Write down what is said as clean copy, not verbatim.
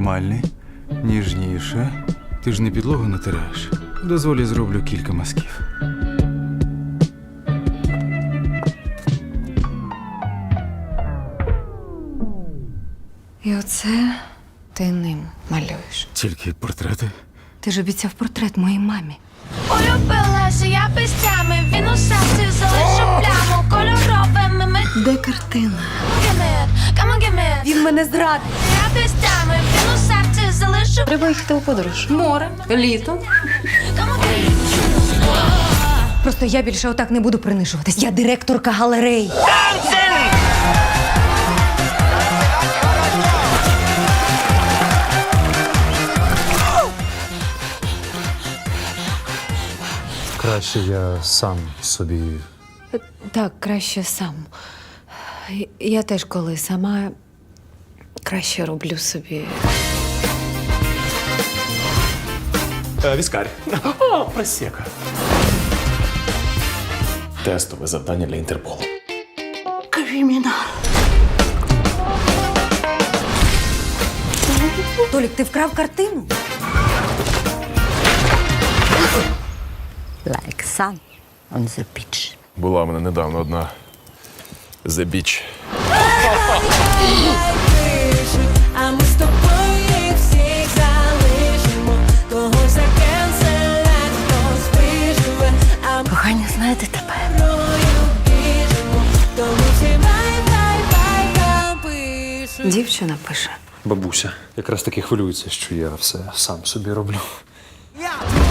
нормальний, ніжніше. Ти ж не підлогу натираєш. Дозволь, я зроблю кілька мазків. І оце ти ним малюєш. Тільки портрети. Ти ж обіцяв портрет моїй мамі. Улюбилася я пестями, він у серці залишив пляму кольоровими ми. Де картина? Come on, give me. Він мене зрадив. Я пестями, він у серці залишив. Треба їхати у подорож. Море, літо. Come on, give me. Просто я більше отак не буду принижуватись. Я директорка галереї. Краще я сам собі. Так, краще сам. Я теж коли сама краще роблю собі. Віскарь. О, просека. Тестове завдання для Інтерполу. Толік, ти вкрав картину? Like sun on the beach. Була в мене недавно одна The Beach. А ми з тобою їх всіх залишимо. Когось закенселять, хтось виживе. А ми Кохання, знаєте тепер. мною біжимо. Тому всі бай пишуть. Дівчина пише. Бабуся якраз таки хвилюється, що я все сам собі роблю. Я